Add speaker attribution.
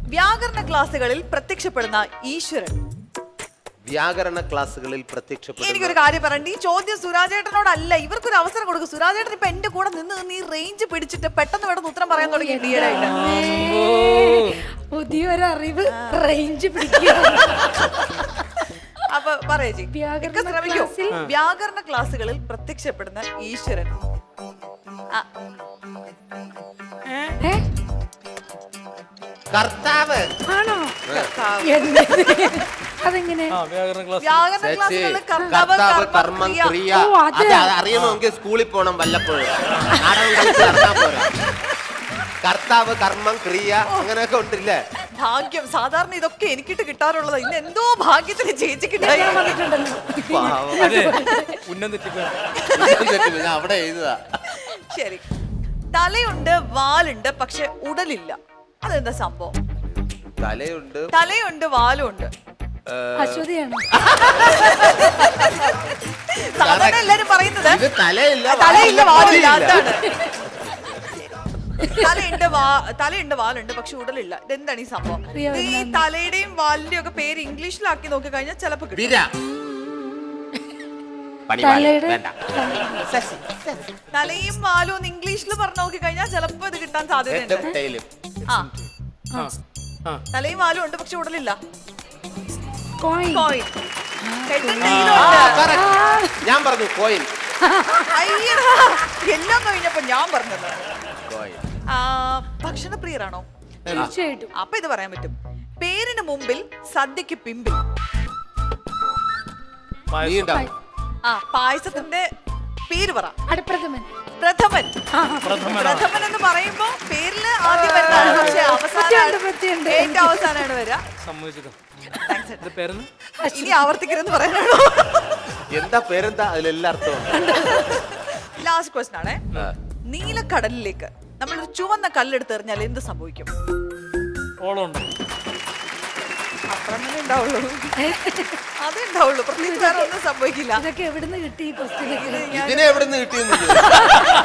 Speaker 1: വ്യാകരണ ക്ലാസ്സുകളിൽ പ്രത്യക്ഷപ്പെടുന്ന ഈശ്വരൻ.
Speaker 2: വ്യാകരണ ക്ലാസ്സുകളിൽ പ്രത്യക്ഷപ്പെടുന്ന
Speaker 1: എനിക്കൊരു കാര്യം പറയണ്ട, ഈ ചോദ്യം സുരാജേട്ടനോടല്ല, ഇവർക്കൊരു അവസരം കൊടുക്കും. സുരാജേട്ടൻ ഇപ്പൊ എന്റെ കൂടെ നിന്ന് ഈ റേഞ്ച് പിടിച്ചിട്ട് പെട്ടെന്ന് പെട്ടെന്ന് ഉത്തരം പറയാൻ തുടങ്ങി.
Speaker 3: പുതിയൊരു അറിവ്, റേഞ്ച് പിടിക്കുക.
Speaker 1: അപ്പൊ പറയേ വ്യാകരണ ക്ലാസ്സുകളിൽ പ്രത്യക്ഷപ്പെടുന്ന ഈശ്വരൻ.
Speaker 2: കർത്താവ്
Speaker 3: ആണോ? അതെങ്ങനെ?
Speaker 1: വ്യാകരണ
Speaker 2: കർത്താവ് കർമ്മം ക്രിയ അറിയണമെങ്കിൽ സ്കൂളിൽ പോണം വല്ലപ്പോഴും. കർത്താവ് കർമ്മം ക്രിയ അങ്ങനെയൊക്കെ ഉണ്ടല്ലേ?
Speaker 1: ഭാഗ്യം. സാധാരണ ഇതൊക്കെ എനിക്കിട്ട് കിട്ടാറുള്ളത്. ഇന്ന് എന്തോ ഭാഗ്യത്തിന് ചേച്ചി
Speaker 2: അവിടെ എഴുതുക.
Speaker 1: ശരി. തലയുണ്ട്, വാലുണ്ട്, പക്ഷെ ഉടലില്ല. അതെന്താ സംഭവം? തലയുണ്ട്, വാലുണ്ട്.
Speaker 3: അശ്വതിയാണോ?
Speaker 1: സാധാരണ എല്ലാരും പറയുന്നത്
Speaker 2: തലയില്ല
Speaker 1: വാലില്ല. അതാണ്. തലയുണ്ട്, വാലുണ്ട്, പക്ഷെ ഉടലില്ല. ഇതെന്താണ് ഈ സംഭവം? ഈ തലയുടെയും വാലിന്റെയും ഒക്കെ പേര് ഇംഗ്ലീഷിലാക്കി നോക്കി കഴിഞ്ഞാൽ ചിലപ്പോ കിട്ടും. തലയും വാലും ഒന്ന് ഇംഗ്ലീഷിൽ പറഞ്ഞു നോക്കി കഴിഞ്ഞാൽ ചിലപ്പോ ഇത് കിട്ടാൻ സാധ്യതയുണ്ട്. തലയും വാലും ഉണ്ട്, പക്ഷെ ഉടലില്ല. കോയിൻ.
Speaker 2: ഞാൻ പറഞ്ഞു കോയിൻ.
Speaker 1: എല്ലാം കഴിഞ്ഞപ്പോ ഞാൻ പറഞ്ഞത്. ഭക്ഷണപ്രിയരാണോ?
Speaker 3: തീർച്ചയായിട്ടും.
Speaker 1: അപ്പൊ ഇത് പറയാൻ പറ്റും. പേരിന് മുമ്പിൽ സദ്യക്ക് പിമ്പിൽ. പായസത്തിന്റെ പേര് പറ.
Speaker 3: പ്രഥമൻ.
Speaker 1: പ്രഥമൻ എന്ന് പറയുമ്പോ പേരില് ആദ്യം വരുന്നതാണ്, പക്ഷെ ഏറ്റവും അവസാനമാണ് വരിക. ഇനി ആവർത്തിക്കരുതെന്ന് പറയാനാണോ?
Speaker 2: എന്താ പേരെന്താ? അതിലെല്ലാ അർത്ഥവും.
Speaker 1: ലാസ്റ്റ് ക്വസ്റ്റൻ ആണേ. നീലക്കടലിലേക്ക് നമ്മളൊരു ചുവന്ന കല്ലെടുത്ത് എറിഞ്ഞാൽ എന്ത് സംഭവിക്കും? അത്ര തന്നെ ഉണ്ടാവുള്ളൂ. അതേ ഉണ്ടാവുള്ളൂ. പ്രത്യേകിച്ച് വേറെ ഒന്നും സംഭവിക്കില്ല.
Speaker 3: ഇതൊക്കെ എവിടുന്ന് കിട്ടി?
Speaker 2: ഇതിനെ എവിടുന്ന് കിട്ടിയെന്ന്